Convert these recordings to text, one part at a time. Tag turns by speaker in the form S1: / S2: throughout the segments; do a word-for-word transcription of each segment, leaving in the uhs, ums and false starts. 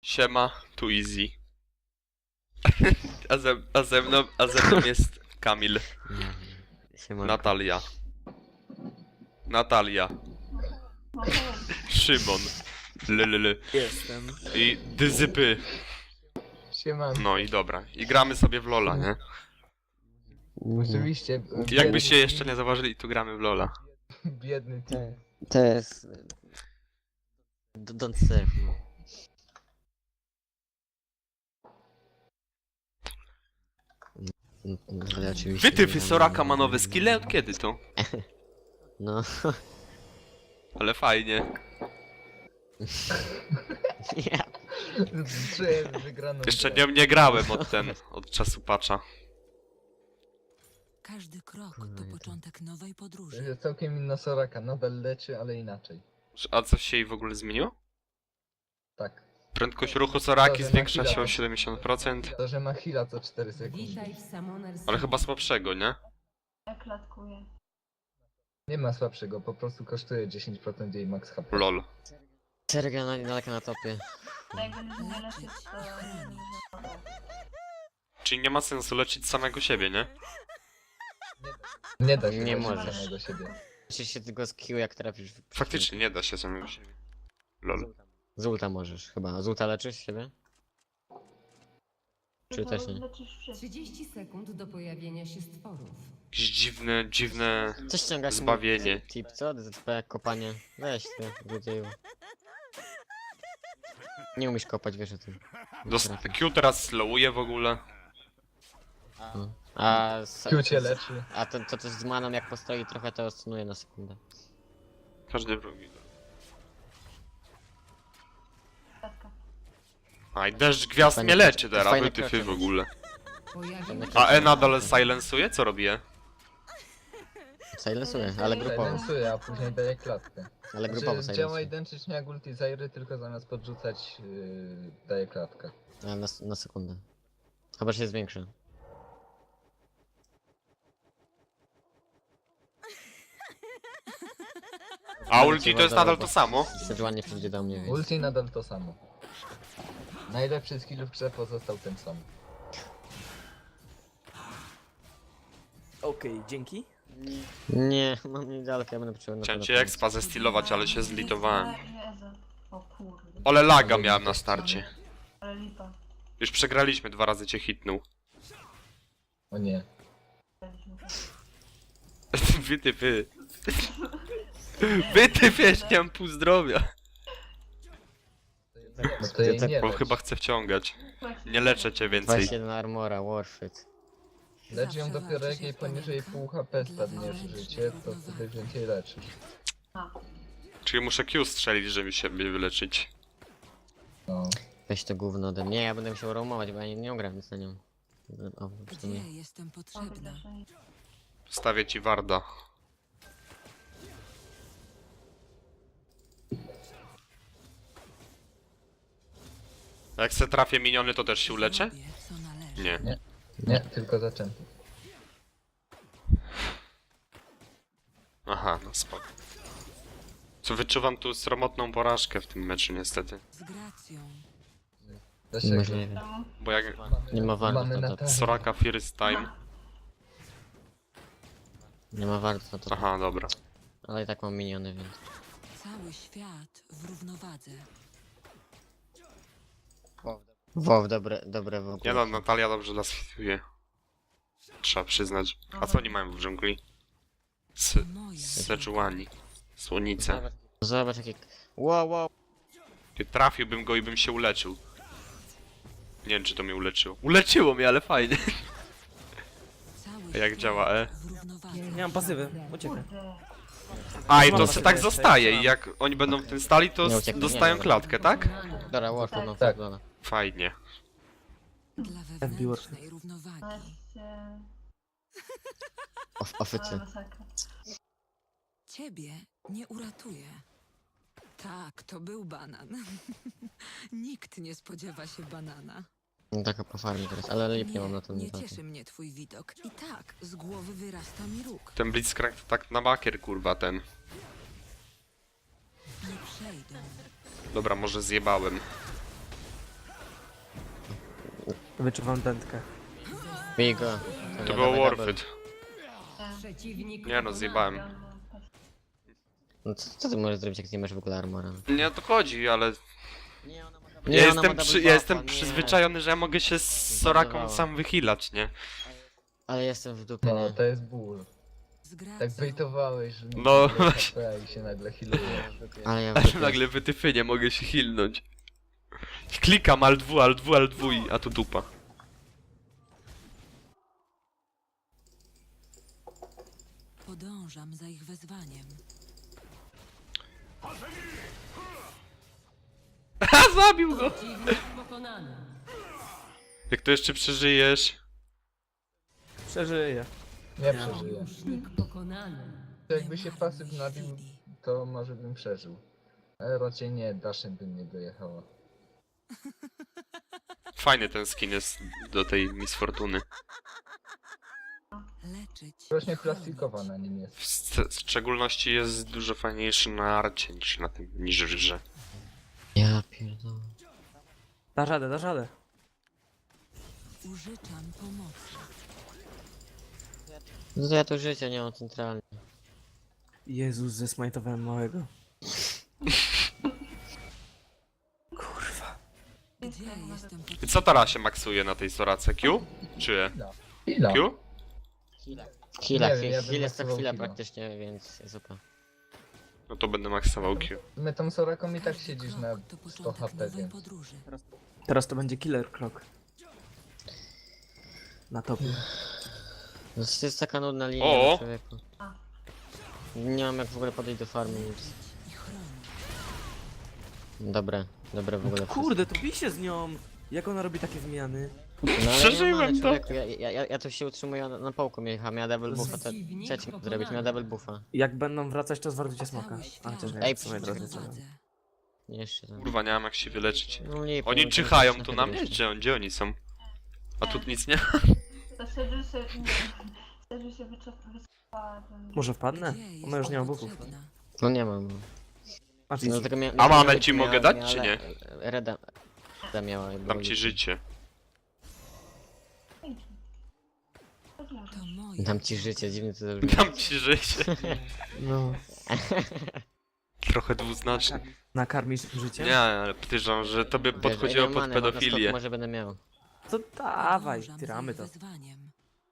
S1: Siema, tu Easy. A ze, a ze mną, a ze mną jest Kamil.
S2: Siemanko.
S1: Natalia. Natalia. Szymon. Lelele.
S3: Jestem.
S1: I dyzypy.
S3: Siemanko.
S1: No i dobra. I gramy sobie w Lola, nie?
S3: Oczywiście.
S1: Jakbyście jeszcze nie zauważyli, tu gramy w Lola.
S3: Biedny ty.
S2: To jest... D- Don't serve me. Mm, mm, Ale oczywiście...
S1: Wytyfy Soraka ma nowe skille? Od kiedy to?
S2: No...
S1: Ale fajnie.
S2: Ja.
S3: Czuję wygraną.
S1: Jeszcze
S3: grę.
S1: nie, nie grałem od ten, od czasu patcha.
S4: Każdy krok
S2: No i
S4: to
S2: to-
S4: początek nowej
S3: To
S4: podróży.
S3: jest całkiem inna Soraka. Nadal leczy, ale inaczej.
S1: A coś się jej w ogóle zmieniło?
S3: Tak.
S1: Prędkość ruchu Soraki
S3: To, że na
S1: zwiększa
S3: chwilę
S1: się o
S3: to-
S1: siedemdziesiąt procent.
S3: To, że ma heala co cztery sekundy.
S5: Witaj w Summoner's
S1: Ale chyba słabszego, nie?
S5: klatkuje.
S3: Nie ma słabszego, po prostu kosztuje dziesięć procent jej max H P.
S1: Lol.
S2: Serga na, daleko na topie.
S5: Jakby nie leczyć, to...
S1: Czyli nie ma sensu leczyć samego siebie, nie?
S3: Nie da się
S2: Nie
S3: leczyć
S2: możesz.
S3: samego siebie.
S2: Musisz się tylko z Q jak trafisz. w-
S1: Faktycznie nie da się samego siebie. Lol.
S2: Z ulta możesz chyba. Z ulta leczysz siebie? Czy
S5: To
S2: też nie?
S5: leczysz wszystko.
S6: trzydzieści sekund do pojawienia się stworów.
S1: Jakieś dziwne, dziwne...
S2: Coś ściągasz mi-
S1: Zbawienie.
S2: Tip, co? D Z P, kopanie. Weź ty, złodzieju. Nie umiesz kopać, wiesz o tym.
S1: Dost... Q teraz slowuje w ogóle.
S2: No. A, s-
S3: Q cię leczy.
S2: a to, to coś z maną jak postoi trochę to odsunuje na sekundę.
S1: Każdy drugi.
S5: Klatka.
S1: A i deszcz gwiazd
S2: Fajne
S1: mnie leczy
S2: krocze-
S1: teraz,
S2: fajne
S1: wytyfy
S2: krocze
S1: w
S2: masz.
S1: ogóle.
S6: Pojawił się
S1: A E nadal silencuje? Co robi E?
S2: Silencuje, ale grupowo.
S3: Silencuje, a później daje klatkę.
S2: Ale grupowo
S3: Znaczy, działa
S2: silencuje.
S3: identycznie jak ulti Zairy, tylko zamiast podrzucać yy, daje klatkę.
S2: Ale na, na sekundę. Chyba się zwiększy.
S1: A ulti to jest nadal to samo?
S2: Sejuani przyjdzie do mnie, więc...
S3: Ulti nadal to samo. Najlepszy skill w grze pozostał ten sam.
S7: Okej, dzięki.
S2: Nie, mam niedaleko, ja będę potrzebował na
S1: Chciałem
S2: pewno
S1: cię
S2: pomóc.
S1: expa zestilować, ale się zlitowałem.
S5: Jezu. O kurde.
S1: Ole laga miałem na starcie.
S5: Ale lipa.
S1: Już przegraliśmy, dwa razy cię hitnął.
S3: O nie.
S1: Wytyfy. Wytyfy, jeszcze nie mam pół zdrowia.
S3: No to jej
S2: tak-
S3: nie
S1: Bo
S3: lecz.
S1: chyba chcę wciągać. Nie leczę cię więcej.
S2: dwadzieścia jeden armora, warfit.
S3: Lecz ją
S4: Zawsze
S3: dopiero
S4: walczy
S3: jak
S4: się
S3: jej
S4: w
S3: poniżej
S4: warunkach
S3: pół H P
S4: dla
S3: spadniesz
S4: wewnętrznej
S3: życie, to
S4: równowagi.
S3: wtedy więcej leczysz.
S5: A.
S1: Czyli muszę Q strzelić, żeby się wyleczyć.
S3: No.
S2: Weź to gówno ode mnie, ja będę musiał roamować, bo ja nie, nie ogram nic na nią. O, w
S4: Gdzie
S2: sumie.
S4: jestem
S5: Mam
S4: potrzebna?
S5: wydaszenie.
S1: Stawię ci Warda. A jak se trafię miniony, to też się uleczę?
S4: Zrobię, co należy.
S1: Nie.
S3: Nie. Nie, tylko zaczęty.
S1: Aha, no spoko. Co wyczuwam tu sromotną porażkę w tym meczu niestety.
S4: Z gracją.
S3: Zasięg.
S2: Możliwe.
S5: Czemu?
S1: Bo jak
S2: Nie ma warto
S3: Mamy
S2: na
S3: na
S2: to.
S3: tak.
S1: Soraka first time...
S2: Nie ma warto na to.
S1: Aha, dobra.
S2: Ale i tak mam miniony, więc.
S4: Cały świat w równowadze.
S2: Wow, dobre, dobre w ogóle.
S1: Nie no, Natalia dobrze nas hituje. Trzeba przyznać. A co oni mają w dżungli? S
S4: To moja
S1: Sejuani. Słonice.
S2: Zobacz, zobacz jakie... Wow, wow.
S1: Ty trafiłbym go i bym się uleczył. Nie wiem, czy to mnie uleczyło. Uleczyło mnie, ale fajnie.
S4: Cały
S1: A jak
S4: świat
S1: działa E?
S4: w równowodze.
S7: Nie mam pasywy, uciekaj.
S5: Kurde.
S1: A i to
S7: Mam
S1: se
S7: sobie
S1: tak
S7: jeszcze,
S1: zostaje
S7: mam.
S1: i jak oni będą w tym stali, to
S2: Nie
S1: s-
S2: ucieknie,
S1: dostają
S2: nie, nie.
S1: klatkę, tak?
S2: Dobra, warfit, no
S3: Tak.
S2: tak.
S1: Fajnie.
S4: Dla wewnętrznej równowagi.
S5: Weźcie...
S2: Of,
S5: Ale
S2: ofycy.
S5: masakra.
S4: Ciebie nie uratuje. Tak, to był banan. Nikt nie spodziewa się banana.
S2: No taka po farmie teraz, ale lipnie mam na to
S4: nie
S2: niestety.
S4: cieszy mnie twój widok. I tak, z głowy wyrasta mi róg.
S1: Ten Blitzcrank to tak na bakier, kurwa, ten.
S4: Nie przejdą.
S1: Dobra, może zjebałem.
S7: Wyczuwam dętkę.
S2: Bij go.
S1: To było worth it.
S6: Przeciwnik
S1: Nie no, zjebałem.
S5: Ja mam pas-
S2: No co, co ty możesz zrobić, jak nie masz w ogóle armora?
S1: Nie o to chodzi, ale
S2: Nie, ona ma
S1: ja jestem, przy, ja jestem przyzwyczajony, że ja mogę się z Soraką
S2: Zbudowała.
S1: sam wychilać, nie?
S2: Ale jestem w dupie,
S3: No,
S2: nie?
S3: to jest ból.
S4: Z gracją.
S3: Tak bejtowałeś, że
S1: No,
S3: nie
S1: właśnie.
S3: H P i się nagle healuje.
S2: Ale ja w
S1: Aż
S2: dupie.
S1: nagle wytyfy nie mogę się hilnąć. Klikam alt dwa, alt dwa, alt dwa, a tu dupa.
S4: Podążam za ich wezwaniem.
S1: Ha, zabił go!
S6: Przeciwnik pokonany.
S1: Jak to jeszcze przeżyjesz?
S7: Przeżyję.
S3: Nie przeżyję.
S6: Sojusznik pokonany.
S3: To jakby się pasyw nabił,
S4: chwili.
S3: to może bym przeżył. Ale raczej nie, Daszem bym nie dojechała.
S1: Fajny ten skin jest do tej Miss Fortuny.
S4: Leczyć.
S3: Właśnie
S4: i chronić.
S3: plastikowa na nim jest.
S1: W sce- w szczególności jest dużo fajniejszy na arcie niż na tym, niż w grze.
S2: Ja pierdolę.
S7: Da radę, da radę.
S4: Użyczam pomocy.
S2: No to ja tu życia nie mam centralnie.
S7: Jezus, zesmajtowałem małego. Kurwa.
S4: Gdzie jestem pod...
S1: I co teraz się maksuje na tej Sorace? Q? Czy E?
S3: Chwila.
S1: Q?
S2: Chwila,
S3: Nie wiem,
S2: chwila,
S3: ja bym
S2: chwila jest to
S3: maksował
S2: chwila
S3: chwilę.
S2: praktycznie, więc super.
S1: No to będę maksował Q.
S3: My tą Soraką i tak
S4: Każdy
S3: siedzisz
S4: krok
S3: na
S4: to
S3: sto
S4: początek
S3: H P,
S4: nowej
S3: więc...
S4: podróży.
S7: Teraz to będzie killer krok. Na topie.
S2: No to jest taka nudna linia,
S1: O!
S2: no, człowieku. Nie mam jak w ogóle podejść do farmy, nic.
S4: I chronić.
S2: Dobre, dobre w ogóle
S7: Kurde, to bij się z nią! Jak ona robi takie zmiany?
S2: wszystko. No, ale
S1: Przeżyłem
S2: nie
S1: to.
S2: mam, człowieku, ja, ja, ja, ja tu się utrzymuję na, na połku, miała, miała double buffa, to
S6: Przeciwnik
S2: co ja ci mam
S6: pokonany.
S2: zrobić, miała double buffa.
S7: Jak będą wracać, to zwardujcie smoka.
S4: Cały
S7: A
S4: świat
S7: chociaż nie,
S2: Ej,
S7: w sumie
S2: przecież
S7: drodzy co.
S4: prowadzę.
S2: Nie, jeszcze tam.
S1: Kurwa, nie mam jak się wyleczyć.
S2: No, nie,
S1: Oni
S2: to-
S1: czyhają
S2: to-
S1: tu
S2: to-
S1: na mnie, gdzie, gdzie oni są? A tu nic nie?
S5: To Sedży się... nie, Sedży się wyczerpała. ten-
S7: Może wpadnę?
S4: Gdzie
S7: Ona już nie ma
S4: jestem
S7: buffów.
S4: potrzebna?
S2: No nie mam.
S7: Masz
S2: No,
S7: nic.
S2: tylko mia,
S1: A
S2: miała-
S1: mamę ci
S2: miała-
S1: mogę dać,
S2: miała
S1: czy
S2: le-
S1: nie?
S2: Reda, Reda miała. i
S1: Dam
S2: było
S1: ci
S2: git.
S1: życie.
S5: To leży.
S4: To moje.
S2: Dam ci życie, dziwnie to zabrzmi.
S1: Dam ci życie.
S7: No.
S1: Trochę dwuznaczne.
S7: Nakarmisz życie?
S1: Nie, ale pytam, że tobie
S2: Wiesz,
S1: podchodziło
S2: ile
S1: pod
S2: many, może
S1: pedofilię.
S2: skok Może będę miał.
S7: To dawaj,
S4: Podążam za
S7: tyramy
S4: ich
S7: to.
S4: wezwaniem.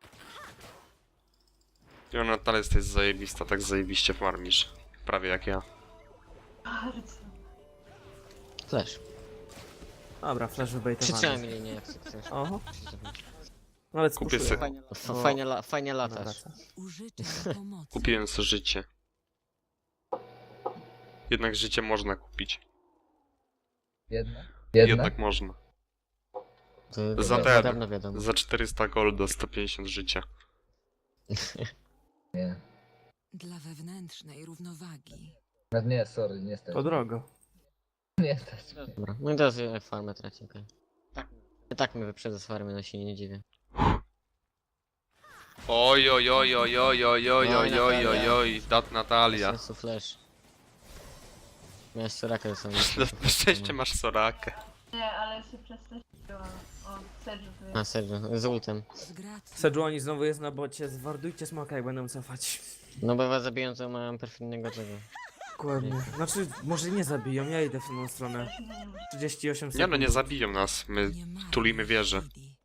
S1: I ona dalej jest zajebista, tak zajebiście farmisz. Prawie jak ja.
S5: Bardzo.
S2: Flash.
S7: Dobra, flash
S2: Przytrzymaj
S7: wybejtowany.
S2: mi linię, jak chcesz.
S7: Oho, nawet
S1: Kupię
S7: spuszuję.
S1: se-
S2: F- Fajnie, la, fajnie
S7: Ona
S2: latasz.
S7: wraca.
S4: Użyczam pomocy.
S1: Kupiłem sobie życie. Jednak życie można kupić.
S3: Jedna? Jedna?
S1: Jednak można.
S2: To,
S1: Za
S2: to,
S1: ten.
S2: to dawno wiadomo.
S1: Za czterysta golda, sto pięćdziesiąt życia.
S3: Nie.
S4: Dla wewnętrznej równowagi.
S3: No nie, sorry, nie stać.
S7: To drogo.
S3: Nie stać mnie.
S2: Dobra, no i teraz ja farmę traci, okej. Tak. I tak mnie wyprzedza z farmy, no się nie dziwię.
S1: Oj, oj, oj, oj, oj, oj, oj, oj, oj, oj, oj, dat Natalia.
S2: Sensu flash. Miałeś Sorakę ze sobą.
S1: Na szczęście masz Sorakę.
S5: Nie, ale się przestraszyłam. O, Sedży tu jest.
S2: A serio, z ultem.
S4: Z gracją.
S7: Sejuani znowu jest na bocie, zwardujcie smoka jak będą cofać.
S2: No bo was zabiją, to mają perfidnego tego.
S7: Dokładnie. Znaczy, może nie zabiją, ja idę w tą stronę. trzydzieści osiem sekund.
S1: Nie no, nie zabiją nas, my
S4: Nie marnuj
S1: tulimy wieżę.
S4: chwili.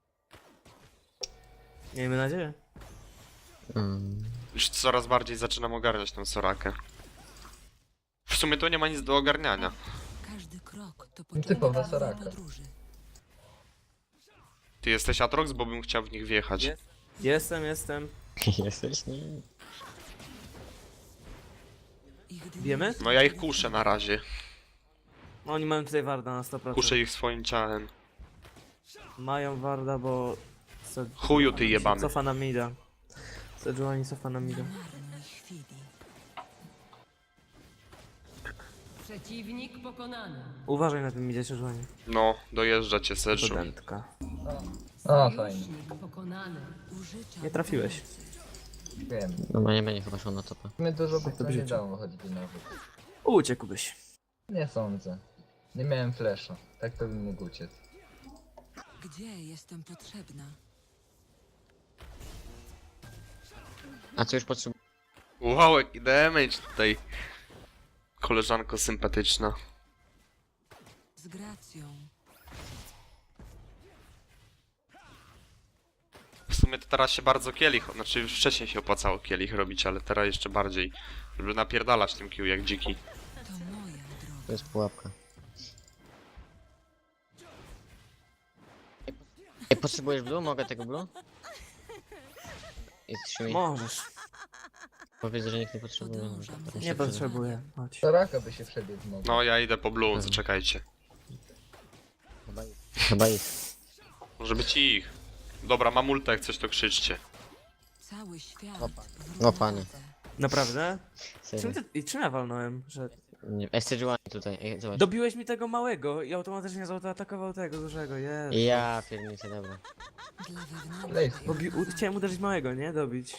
S7: Miejmy nadzieję.
S2: Mm.
S1: Już coraz bardziej zaczynam ogarniać tą Sorakę. W sumie to nie ma nic do ogarniania.
S4: Każdy krok to
S3: Typowa
S4: początek nowej
S3: Soraka.
S4: podróży.
S1: Ty jesteś Atrox, bo bym chciał w nich wjechać.
S7: Jest. Jestem, jestem.
S2: Jesteś? Nie.
S4: Ich
S7: Wiemy?
S1: No ja ich kuszę na razie.
S7: No, oni mają tutaj warda na sto procent.
S1: Kuszę ich swoim ciałem.
S7: Mają warda, bo... Se...
S1: Chuju ty jebany.
S7: Cofa na mida. Sejuani cofa na mida.
S4: Nie marnuj chwili.
S6: Przeciwnik pokonany.
S7: Uważaj na tym midzie, Sejuani.
S1: No, dojeżdża cię Sedżu.
S7: Studentka.
S3: O, fajnie.
S6: Sojusznik pokonany.
S4: Użyczam
S7: Nie trafiłeś.
S4: pomocy.
S3: Wiem.
S2: No bo nie będzie chyba szło na topę.
S3: My dużo
S7: Tak to
S3: by nie
S7: życie.
S3: dało choćby nawet.
S7: Uciekłbyś.
S3: Nie sądzę. Nie miałem flesza. Tak to bym mógł uciec.
S4: Gdzie jestem potrzebna?
S2: A co już potrzebuję?
S1: Wow, jaki damage tutaj. Koleżanko sympatyczna.
S4: Z gracją.
S1: W sumie to teraz się bardzo kielich, znaczy już wcześniej się opłacało kielich robić, ale teraz jeszcze bardziej. Żeby napierdalać tym kill jak dziki.
S4: To moja droga.
S2: To jest pułapka. Ej, potrzebujesz blue? Mogę tego blue? Jest mi.
S7: Możesz.
S2: Powiedz, że nikt nie potrzebuje.
S4: Podążam
S2: Dobra,
S4: za
S2: się
S7: Nie
S2: przyda.
S7: potrzebuję. Chodź.
S3: Soraka by się przebiegł mógł.
S1: No ja idę po blue, zaczekajcie.
S2: Chyba ich. Chyba ich.
S1: Może być i ich. Dobra, mam ulta, jak coś to krzyczcie.
S4: Cały świat.
S2: Opa.
S4: w
S2: No, panie.
S4: równowodze.
S7: Naprawdę?
S2: Serio.
S7: Czym ty, I czym ja walnąłem? Że...
S2: Nie, S C G tutaj, ej, zobacz.
S7: Dobiłeś mi tego małego i automatycznie zaatakował tego dużego, jest.
S2: Ja pierniczę, dobra.
S4: Dla wewnętrznej
S3: Lej,
S7: Bobi, u, chciałem uderzyć małego, nie? Dobić.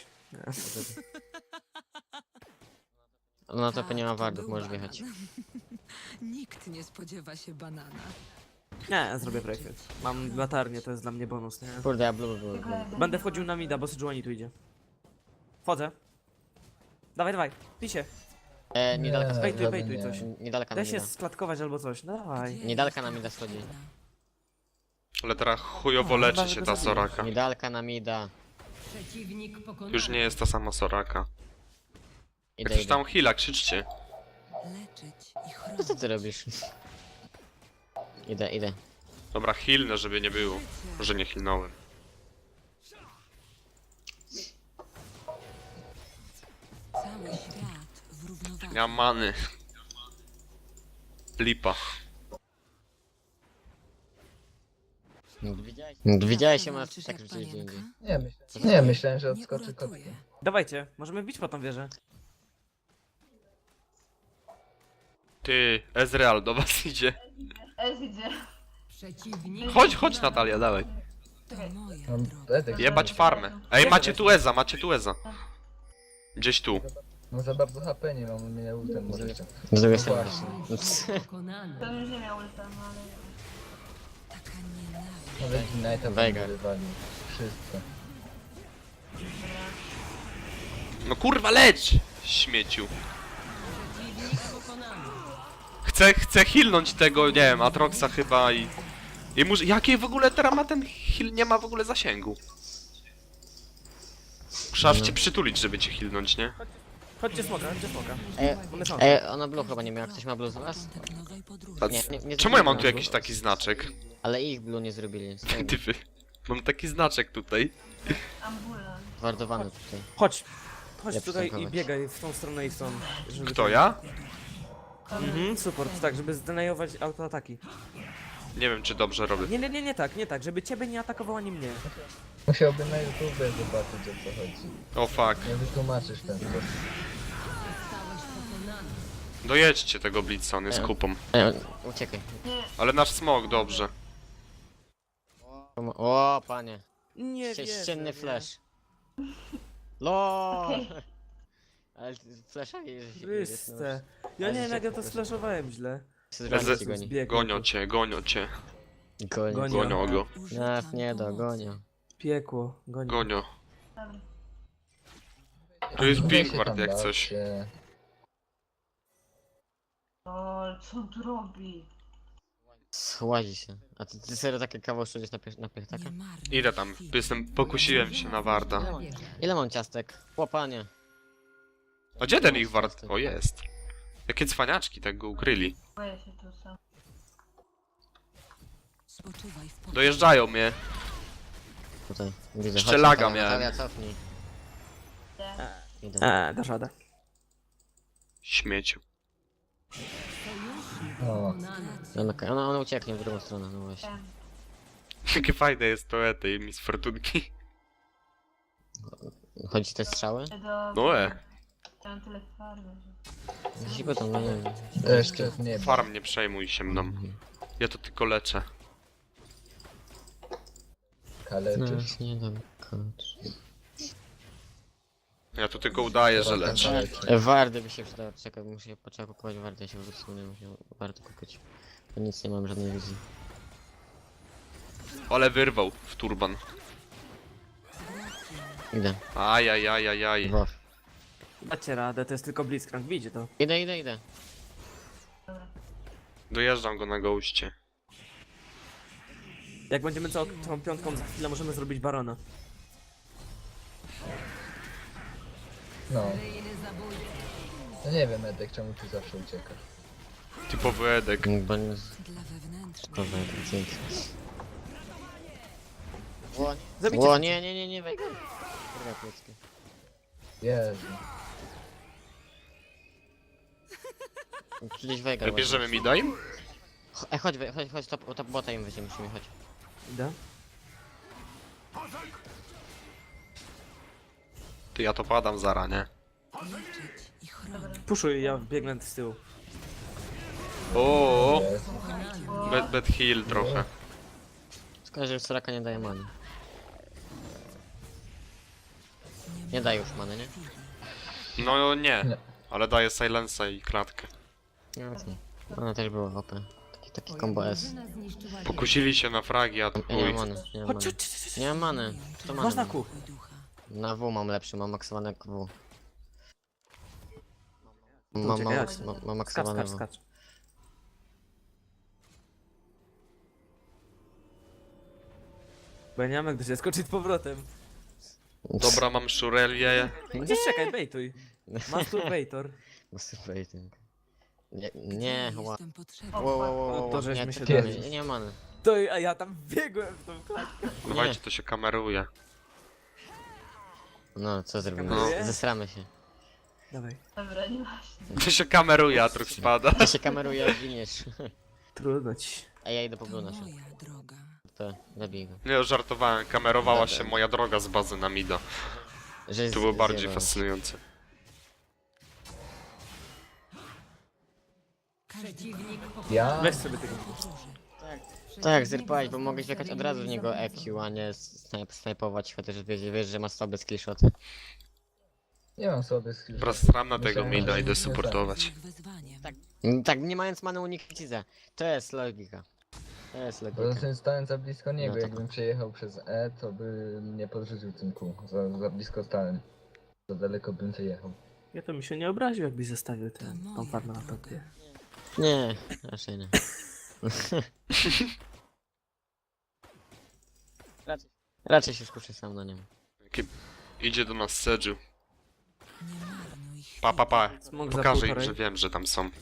S2: No to
S4: Tak,
S2: nie ma
S4: to
S2: wardów,
S4: był
S2: możesz
S4: banan.
S2: wjechać.
S4: Nikt nie spodziewa się banana.
S7: Nie, zrobię breakfast. Mam latarnię, to jest dla mnie bonus, nie?
S2: Kurde, ja blue był.
S7: Będę wchodził na mida, bo Sejuani tu idzie. Wchodzę. Dawaj, dawaj, pisie.
S2: E, niedaleka
S3: Nie,
S7: Bejtuj,
S3: żaden
S7: bejtuj
S3: nie.
S7: coś.
S2: Niedaleka
S7: Daj
S2: nam
S7: się
S2: nie da.
S7: sklatkować albo coś, no dawaj.
S4: Gdzie
S2: Niedaleka
S4: jestem
S2: nam mida schodzi.
S4: potrzebna?
S1: Ale teraz chujowo
S7: No,
S1: leczy
S7: chyba,
S1: się
S7: że
S1: ta
S7: go
S1: Soraka.
S2: Niedaleka nam ida.
S6: Przeciwnik pokonany.
S1: Już nie jest ta sama Soraka. Jak
S2: Idę,
S1: coś
S2: idę.
S1: tam heala, krzyczcie.
S4: Leczyć i
S2: Co
S4: chronić.
S2: ty robisz? Idę, idę.
S1: Dobra, healnę, żeby nie było. Może nie healnąłem.
S4: Cały świat w równowadze.
S1: Nie mam many. Lipa.
S2: Widziałeś? Widziałeś się,
S4: Zawsze
S2: masz
S4: walczysz
S2: tak
S4: jak
S2: gdzieś indziej.
S4: panienka?
S3: Nie, myślę, nie, myślałem, że
S4: Nie
S3: odskoczy kotkiem.
S4: uratuje.
S7: Dawajcie, możemy wbić po tą wieżę.
S1: Ty, Ezreal do was idzie.
S5: Ez idzie.
S6: Przeciwnik
S1: Chodź, chodź Natalia, dawaj.
S4: To moja
S3: Mam
S4: droga.
S3: Edek.
S1: Jebać farmę. Ej, macie tu Eza, macie tu Eza. Gdzieś tu.
S3: No za bardzo H P nie mam, mnie ultem
S2: Może
S3: możecie.
S2: Z drugiej
S3: No
S2: strony.
S3: właśnie.
S6: pokonany.
S5: To już nie miał ulta, no ale...
S4: Taka nienawiść.
S3: Nawet Ignite'a
S2: Veigar.
S3: bym wywalił. Wszystko.
S1: No kurwa, leć! Śmieciu.
S6: Przeciwnik pokonany.
S1: Chcę, chcę healnąć tego, nie wiem, Atroxa chyba i... I muszę... Jakie w ogóle teraz ma ten heal? Nie ma w ogóle zasięgu. Muszę aż cię przytulić, żeby cię healnąć, nie?
S7: Chodźcie smoka, chodźcie smoka.
S2: Ej,
S7: One są.
S2: ej, ona blue chyba nie miała. Ktoś ma blue z was?
S4: Początek nowej podróży.
S1: A
S2: Nie, nie, nie
S1: czemu ja mam tu
S2: zrobiłem.
S1: jakiś taki znaczek?
S2: Ale ich blue nie zrobili.
S1: Typy. Mam taki znaczek tutaj.
S5: Ambulant.
S2: Wardowany tutaj.
S7: Chodź. Chodź
S2: Ja
S7: tutaj i
S2: przystankować.
S7: biegaj w tą stronę i w tą. Żeby
S1: Kto, ja?
S7: Mhm, support, tak, żeby zdenajować autoataki.
S1: Nie wiem, czy dobrze robię.
S7: Nie, nie, nie, nie tak, nie tak, żeby ciebie nie atakował ani mnie.
S3: Musiałbym na YouTube zobaczyć, o co chodzi.
S1: O fuck.
S3: Nie wytłumaczysz w ten sposób.
S6: Zostałeś pokonany.
S1: Dojedźcie tego Blitza, on jest kupą.
S2: Ej, uciekaj.
S1: Ale nasz smog, dobrze.
S2: O, panie.
S7: Nie
S2: Ście-
S7: wierzę,
S2: Ścienny
S7: nie.
S2: flash. LOL!
S5: Okej.
S2: Ale flasha nie że się
S7: Chryste. Ja
S2: Ale
S7: nie wiem
S2: się
S7: jak ja to
S2: proszę.
S7: sflashowałem źle.
S1: Eze-
S2: się goni.
S7: Zbiegł
S1: Gonio
S7: tu.
S1: cię, gonio cię.
S2: Goni.
S7: Goni.
S1: Gonio go.
S2: Nas nie dogonią.
S7: Piekło, goni.
S1: Gonio.
S5: Dobra.
S1: Tu jest
S3: Weź się
S1: Bigward
S3: tam
S1: jak
S3: bawcie.
S1: coś.
S5: O, co on tu robi?
S2: Słazi się. A ty, ty serio takie kawał szudzisz na, piech, na piechtaka?
S4: Nie marnuj
S1: Idę tam,
S4: chwili.
S1: jestem, pokusiłem się na Warda.
S6: Na wieżę.
S2: Ile mam ciastek? Chłopanie.
S1: A gdzie ten ich Ward? O, jest. Jakie cwaniaczki tak go ukryli.
S5: Boję się tu sam.
S4: Spoczywaj w pokoju.
S1: Dojeżdżają mnie.
S2: Tutaj. Widzę.
S1: Jeszcze
S2: Chodź,
S1: laga
S2: Natalia,
S1: miałem.
S2: Natalia, cofnij.
S5: Nie.
S2: Idę.
S7: Eee, dasz radę.
S1: Śmieciu.
S2: No.
S3: O,
S2: Ona, ona, ona ucieknie w drugą stronę, no właśnie.
S5: Wiem.
S1: Jakie fajne jest to tej Miss Fortunki.
S2: Chodzi te strzały?
S5: Do...
S1: No e.
S5: Mam tyle farmy, że...
S2: Ziko tam, no nie wiem.
S3: jeszcze nie ma.
S1: Farm, nie przejmuj się mną. Ja to tylko leczę.
S3: Kaleczysz.
S2: Nas nie dam kończyć.
S1: Ja to tylko udaję, że leczę.
S3: Kaleczysz.
S2: E, Wardy by się przydały. Czekaj, muszę się potrzeba kupować wardy, ja się wrócę, nie muszę wardy kupić. Bo nic nie mam, żadnej wizji.
S1: Ale wyrwał w turban.
S2: Idę.
S1: Ajajajajaj.
S2: Dwa.
S7: Dacie radę, to jest tylko Blitzcrank, widzicie to.
S2: Idę, idę, idę.
S1: Dojeżdżam go na goście.
S7: Jak będziemy całą tą piątką za chwilę, możemy zrobić Barona.
S3: No,
S6: Seryjny zabójca.
S3: no nie wiem Edek, czemu tu zawsze uciekasz.
S1: Typowy Edek.
S2: Bo nie...
S4: Dla wewnętrznych.
S2: Kurwa, to dzięki. O,
S7: Zabijcie
S2: o
S7: to.
S2: nie, nie, nie, nie, Veigar. Kurwa, klocki.
S3: Jezu.
S2: Gdzieś Veigar.
S1: Bierzemy mi daj?
S2: Ch- Ej, chodź, we- chodź, chodź, top, top bota im weźmiemy, musimy, chodź.
S7: Idę.
S1: Ty, ja to padam zara, nie?
S4: Leczyć i chronić.
S7: Puszuj, ja biegnę z tyłu.
S1: O,
S3: Jezu.
S1: bad, bad heal trochę.
S2: Szkoda, że Soraka nie daje many. Nie daje już many, nie?
S1: No nie,
S3: Nie.
S1: ale daje silensa i klatkę.
S2: Jasne. Ona też była O P. Taki, taki combo S.
S6: Drużyna zniszczyła
S1: Pokusili się na fragi, a to
S2: Ja nie
S1: chuj.
S2: mam many, nie mam
S7: Chodź,
S2: many.
S7: chodź, chodź, chodź.
S2: Nie mam many. To
S7: Masz
S2: many
S7: na
S2: mam.
S7: kół.
S4: Ducha.
S2: Na W mam lepszy, mam maksowane W.
S7: To
S2: Mam, mam,
S7: uciekaj,
S2: mam,
S7: chodź.
S2: mam, mam
S7: Skacz,
S2: maksowane
S7: skacz,
S2: W.
S7: skacz. Bo ja nie mam jak do ciebie skoczyć z powrotem.
S1: Dobra, mam szurelię.
S7: Chociaż czekaj, bejtuj. Masturbator.
S2: Masturbating. Nie, nie, ła.
S4: Jestem potrzebny.
S2: Wow, wow, wow,
S7: No
S2: wow,
S7: to
S2: nie,
S7: żeśmy się
S2: to nie,
S3: dowiedzieli.
S2: nie, nie mam many.
S7: To a ja tam biegłem w tą klatkę.
S1: Dawajcie, to się kameruje.
S2: No, co zrobimy?
S7: Kameruje?
S2: Zesramy się.
S7: Dawaj.
S5: Dobra, nie właśnie.
S1: To się kameruje, a truch spada.
S2: To się kameruje, jak giniesz.
S7: Trudno ci.
S2: A ja idę po
S4: To
S2: Blue nasze.
S4: moja droga.
S2: To zabij go.
S1: Nie, żartowałem, kamerowała się moja droga z bazy na mida.
S2: Że
S1: To było
S2: z-
S1: bardziej
S2: zjebałeś.
S1: fascynujące.
S6: Przeciwnik pokonany.
S3: Ja?
S7: Weź sobie tego.
S2: Tak, zerpałeś, bo mogłeś wjechać od razu w niego E Q, a nie snajp, snajpować, chociaż wiesz, wiesz, że ma słabe skillshoty.
S3: Nie mam sobie skills.
S1: Teraz stram na tego
S3: Myślałem,
S1: mida,
S3: że
S1: idę
S3: nie
S1: supportować.
S4: Z ich wezwaniem.
S2: Tak. Mm, Tak, nie mając many uniknąć za. To jest logika. To jest
S3: Poza
S2: logika.
S3: tym stałem za blisko niego,
S2: No to-
S3: jakbym przejechał przez E, to by mnie podrzucił tym kół. Za, za blisko stałem. Za daleko bym przejechał.
S7: Ja to mi się nie obraził, jakbyś zostawił
S4: To
S7: tę tą
S4: moja
S7: farmę na
S4: droga.
S7: topie.
S2: Nie, raczej nie. raczej, raczej się skuszę sam na nim.
S1: Jaki- Idzie do nas Sedżu.
S4: Nie marnuj chwili.
S1: Pa, pa, pa.
S7: Smok za
S1: Pokażę im,
S7: półtorej.
S1: że wiem, że tam są.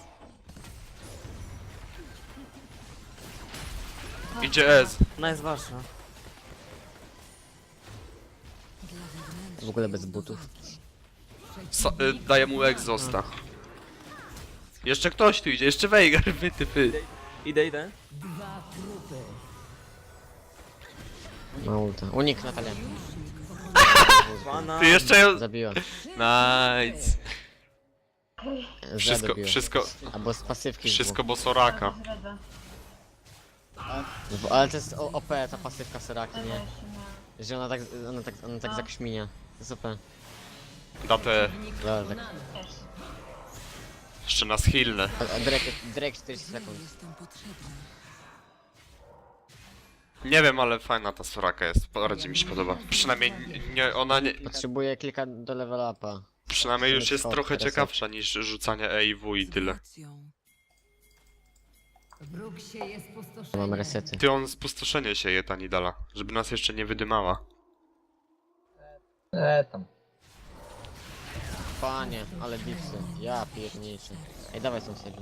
S1: Idzie Ez.
S7: No jest wasza.
S4: Dla wewnętrznych
S2: W ogóle bez butów.
S1: Sa y, daję mu egzosta. Jeszcze ktoś tu idzie, jeszcze Veigar, wy ty py.
S7: Idę, idę.
S6: Dwa trupy.
S2: Ma ulta. Unik Natalia.
S7: Pana.
S1: Ty jeszcze ją...
S2: Zabiła.
S1: Nice. Wszystko,
S2: Zabiła.
S1: wszystko,
S2: Albo z pasywki.
S1: wszystko bo Soraka.
S5: Zdradzę.
S2: W- Ale to jest O P ta pasywka Soraki,
S5: Ale
S2: nie?
S5: jeszcze nie.
S2: Że ona tak, ona tak, ona tak zakrzminia. To jest O P.
S1: Da te...
S2: Lol, tak.
S5: Wiesz.
S1: Jeszcze nas healne.
S2: A, a Drake, Drake czterdzieści sekund.
S4: jestem potrzebna.
S1: Nie wiem, ale fajna ta Soraka jest. Bardziej mi się podoba. Przynajmniej nie, ona nie...
S2: Potrzebuję kilka do level upa.
S1: Przynajmniej już jest
S2: Teraz
S1: trochę
S2: teraz
S1: ciekawsza niż rzucanie E i W i tyle.
S4: Emocją.
S6: Wróg się jest
S2: Mam
S6: pustoszenie.
S2: resety.
S1: Ty on spustoszenie się je ta Nidala, żeby nas jeszcze nie wydymała.
S3: E, tam.
S2: Panie, ale dipsy. Ja pierniczę. Ej, dawaj stąd sobie.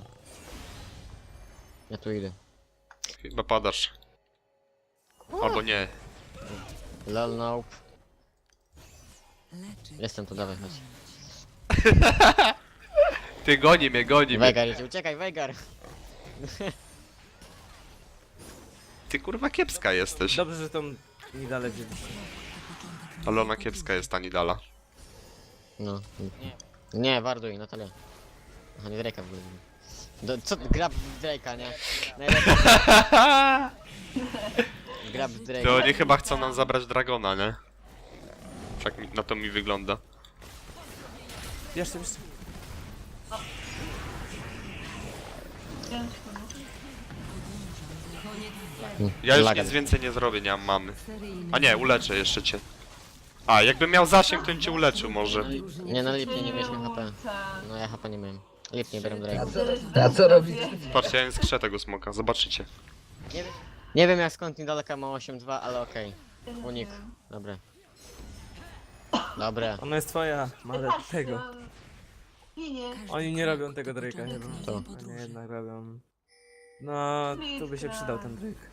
S2: Ja tu idę.
S1: Chyba padasz. Albo nie.
S2: Lol, nope.
S4: Leczyć.
S2: Jestem tu, dawaj, chodź.
S1: Ty goni mnie, goni mnie.
S2: Veigar idzie, uciekaj, Veigar!
S1: Ty kurwa kiepska jesteś.
S7: Dobrze, że tą nie dalej wzięliście.
S1: Ale ona kiepska jest ta Nidala.
S2: No. Nie, warduj, Natalia. Aha, nie Drake'a w ogóle. Do, co, grab Drake'a, nie? Najlepiej. Grab
S1: To
S2: Drake'a.
S1: oni chyba chcą nam zabrać Dragona, nie? Tak mi, na to mi wygląda.
S7: Jeszcze, jeszcze.
S5: Ciężko.
S6: Koniec
S1: Ja już
S2: Laga.
S1: nic więcej nie zrobię, nie mam mamy.
S6: Seryjny
S1: A nie, uleczę jeszcze cię. A, jakbym miał zasięg, to bym cię uleczył może.
S2: Nie, no lipnie nie mieliśmy H P.
S5: Ulce.
S2: No ja H P nie miałem. Lipnie biorę
S3: A
S2: Drake'a.
S3: co, a co robicie?
S1: Patrzcie, ja nie skrzę tego smoka, zobaczycie.
S2: Nie wiem, nie wiem jak skąd niedaleka ma osiem dwa, ale okej. Unik. Dobra. Dobra.
S7: Ona jest twoja, ale tego.
S5: Ginie.
S7: Oni nie robią tego Drake'a chyba.
S2: To.
S7: Oni jednak robią. No, tu by się przydał ten Drake.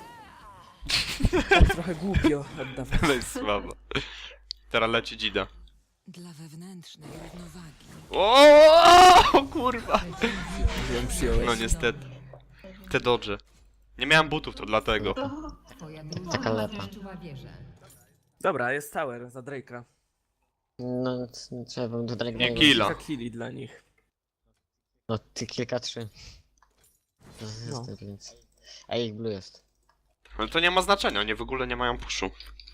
S7: Tak trochę głupio oddawać.
S1: Ale jest słabo. Teraz leci dzida.
S4: Dla wewnętrznej równowagi.
S1: O, kurwa!
S7: Ją przyjąłeś.
S1: No niestety. Te dodże. Nie miałem butów, to dlatego.
S6: Twoja
S2: Taka
S6: drużyna
S2: lepa.
S6: zniszczyła wieżę.
S7: Dobra, jest tower za Drake'a.
S2: No, c- trzeba do Drake'a.
S1: Nie killa.
S7: Kilka killi dla nich.
S2: No, ty kilka trzy. No,
S7: No.
S2: niestety, więc. A ich blue jest.
S1: Ale to nie ma znaczenia, oni w ogóle nie mają puszu.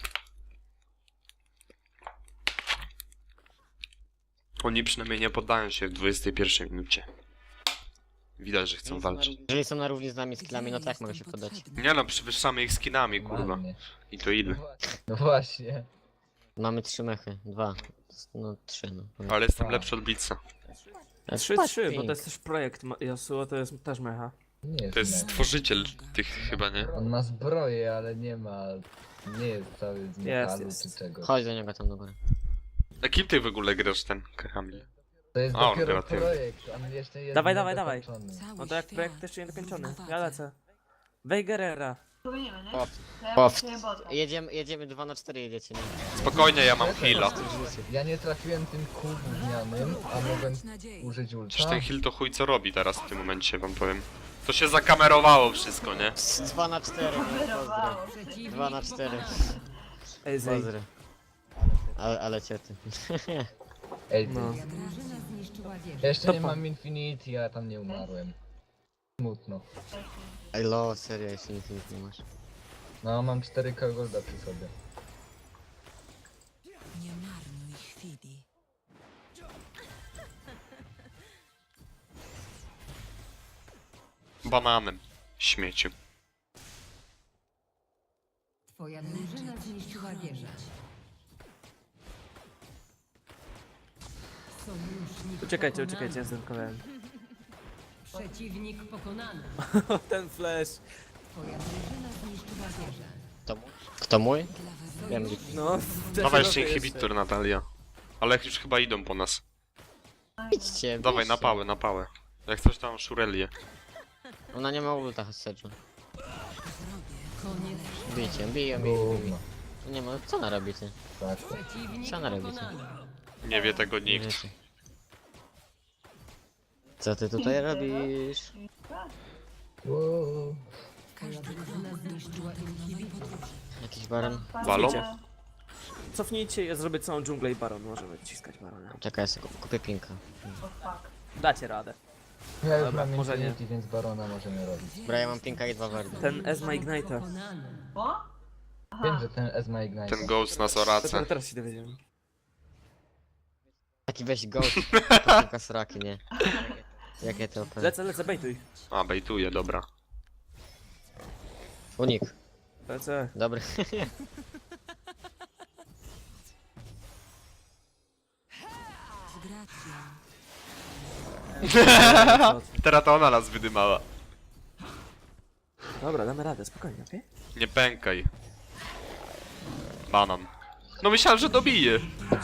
S1: Oni przynajmniej nie poddają się w dwudziestej pierwszej minucie. Widać, że chcą walczyć.
S2: Jeżeli są na równi z nami z killami, no tak mogę się
S4: Jestem
S2: poddać.
S4: potrzebny.
S1: Nie no, przewyższamy ich skinami, kurwa.
S3: Ładnie.
S1: I to ile?
S3: No właśnie.
S2: Mamy trzy mechy, dwa. No trzy, no.
S1: Ale jestem lepszy od Blitza.
S7: trzy trzy, bo to jest też projekt Ma- Yasuo, to jest też mecha.
S3: Nie jest
S1: To jest
S3: mecz.
S1: stworzyciel tych chyba, nie?
S3: On ma zbroję, ale nie ma... Nie jest cały z metalu
S7: jest.
S3: czy czego.
S2: Chodź do niego tam do góry.
S1: A kim ty w ogóle grasz ten Kamil?
S3: To jest
S1: A,
S3: dopiero
S1: on gra tym.
S3: projekt, on jeszcze jest
S7: Dawaj, dawaj, dawaj.
S3: niedokończony.
S4: Cały
S7: No to jak
S4: świat
S7: projekt jeszcze nie dokończony.
S4: w
S7: Ja
S4: równowodze.
S7: lecę. Wejgerera.
S5: Powinienem, nie?
S2: Pop.
S5: To ja
S2: Pop.
S5: potrzebuję bota.
S2: Jedziemy, jedziemy dwa na cztery jedziecie, nie?
S1: Spokojnie, ja mam heala.
S3: Ja nie trafiłem tym kół gównianym, a mogłem
S4: Nadzieję.
S3: użyć ulta.
S1: Przecież ten heal to chuj co robi teraz w tym momencie, wam powiem. To się zakamerowało wszystko, nie?
S2: Z dwa na cztery, nie? Pozdro.
S5: Wyrowało.
S6: Przeciwnik
S2: Dwa na cztery.
S6: pokonany.
S7: Ej, Zej.
S2: Pozdro. Ale, ale ciety.
S3: Ej,
S7: No.
S6: Twoja drużyna zniszczyła wieżę.
S3: ja jeszcze
S7: To
S3: nie
S7: po-
S3: mam Infinity, a tam nie umarłem. Smutno.
S2: Ej, lo, serio, jeszcze nic, nic nie masz.
S3: No, mam cztery K golda przy sobie.
S4: Nie marnuj chwili.
S1: Bananem. Śmieciu.
S6: Twoja drużyna zniszczyła wieżę. Sojusznik
S7: Uciekajcie,
S6: pokonany.
S7: uciekajcie, ja zdemkowałem.
S6: Przeciwnik pokonany.
S7: Ten flash.
S6: Twoja drużyna zniszczyła wieżę.
S2: Kto mój? Kto mój?
S4: Dla
S2: Wiem,
S4: wewnętrznej
S2: gdzie-
S7: No,
S1: Dawaj jeszcze inhibitor, Natalia. Ale już chyba idą po nas.
S2: idźcie,
S1: Dawaj,
S2: bierzcie.
S1: na pałę, na pałę. Jak coś tam Shurelię.
S2: Ona nie ma ulta, Sedżu.
S6: Koniec.
S2: Bijcie, biją, biją, biją.
S3: Gówno.
S2: Nie ma, co ona robi, ty?
S3: Tak.
S6: Przeciwnik
S2: Co ona robi,
S6: pokonany.
S1: Nie wie tego
S2: Nie
S1: nikt.
S2: wiecie. Co ty tutaj robisz?
S3: Wow.
S6: Twoja drużyna zniszczyła inhibitor.
S2: Jakiś baron?
S1: Balon?
S7: Cofnijcie, ja zrobię całą dżunglę i baron. Możemy ciskać barona.
S2: Czekaj, ja sobie kup- kupię pinka.
S5: Oh fuck.
S7: Dacie radę.
S3: Ja już
S7: Dobra,
S3: mam
S7: może nie.
S3: Infinity, więc barona możemy robić.
S2: Dobra, ja mam pinka i dwa wardy.
S7: Ten S ma Ignite'a.
S6: Pokonany.
S5: O?
S3: Wiem, że ten S ma Ignite.
S1: Ten Ghost nas
S7: Dopiero
S1: orace.
S7: teraz się dowiedziałem.
S2: Taki weź ghost, to pinka sraki, nie? Jakie to opę?
S7: Lecę, lecę, bejtuj.
S1: A, bejtuje, dobra.
S2: Unik.
S7: Lecę.
S2: Dobry.
S4: z gracją.
S1: Teraz to ona nas wydymała.
S7: Dobra, damy radę, spokojnie, okej?
S1: Nie pękaj. Banan. No myślałem, że dobije.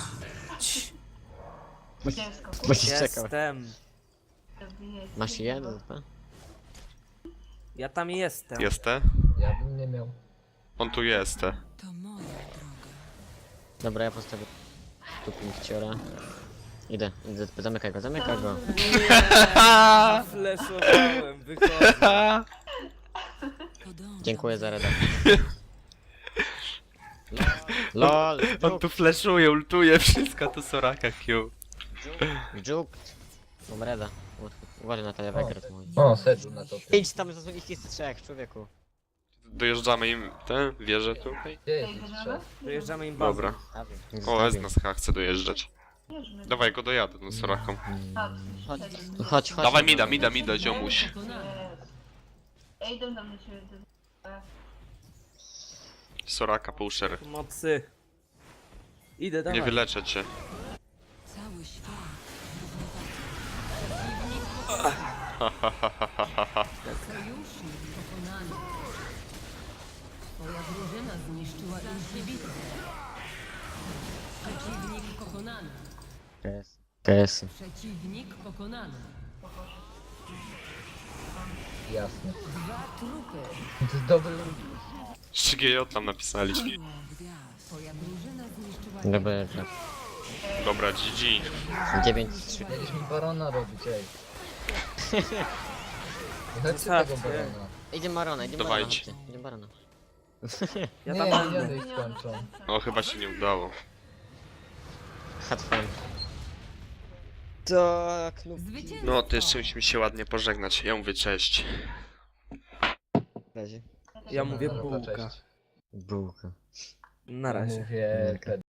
S5: Ciężko.
S2: Musisz czekał.
S7: Jestem.
S2: Masz jeden? tak?
S7: Ja tam jestem.
S1: Jestem?
S3: Ja bym nie miał.
S1: On tu jest. te.
S4: To moja droga.
S2: Dobra, ja postawię tu pinkciora. Idę, idę, zamykaj go, zamykaj go.
S7: Fleszowałem, wychodzę.
S4: Podążam
S2: Dziękuję
S4: za
S2: za redakcję. LOL,
S1: On tu flashuje, ultuje, wszystko to Soraka Q.
S2: Juk. Mam reda. Uważaj na tyle Wegret mój.
S3: O, Sedżu na topie.
S2: Idź tam, to są ich jest trzech, człowieku.
S1: Dojeżdżamy im tę wieżę tu.
S3: Gdzie jest ich trzech?
S7: Dojeżdżamy im bazę.
S1: Dobra.
S2: Stawię.
S1: O, S
S2: Stawię.
S1: nas chyba chce dojeżdżać. Dawaj go dojadę tą Soraką.
S2: Chodź, chodź, chodź.
S1: Dawaj mida, mida, mida, ziomuś.
S6: Pokonany.
S5: Ej, idę tam do ciebie.
S1: Soraka, półszer.
S7: Mocy. Idę,
S1: Nie
S7: dawaj.
S1: wyleczę cię.
S4: Cały świat.
S6: Sojusznik pokonany. Twoja drużyna zniszczyła inhibitor. Przeciwnik pokonany.
S2: K S. K S.
S6: Przeciwnik pokonany.
S3: Jasne.
S6: Dwa trupy.
S3: To jest dobry
S1: trzy G J tam napisali.
S4: Gwiazd.
S6: Twoja drużyna zniszczyła
S2: Dobra,
S6: wieżę.
S2: dobra.
S1: Dobra, G G.
S2: dziewięć trzy.
S3: Mieliśmy barona robić, ej. Nie chodźcie
S7: Zostawcie.
S3: tego barona.
S2: Idzie Marona, idzie Marona.
S1: Dawajcie.
S2: chodźcie, Idzie Barona.
S7: Ja
S3: Nie,
S7: tam
S3: nie,
S7: będę.
S3: nie, ich skończą.
S1: O, chyba się nie udało.
S2: Had fun. Tak, no.
S6: Zwycięstwo.
S1: No, to jeszcze musimy się ładnie pożegnać. Ja mówię cześć.
S2: W razie.
S7: Ja mówię
S3: Dobra,
S7: bułka.
S3: cześć.
S2: Bułka.
S7: Na razie.
S3: Mówię,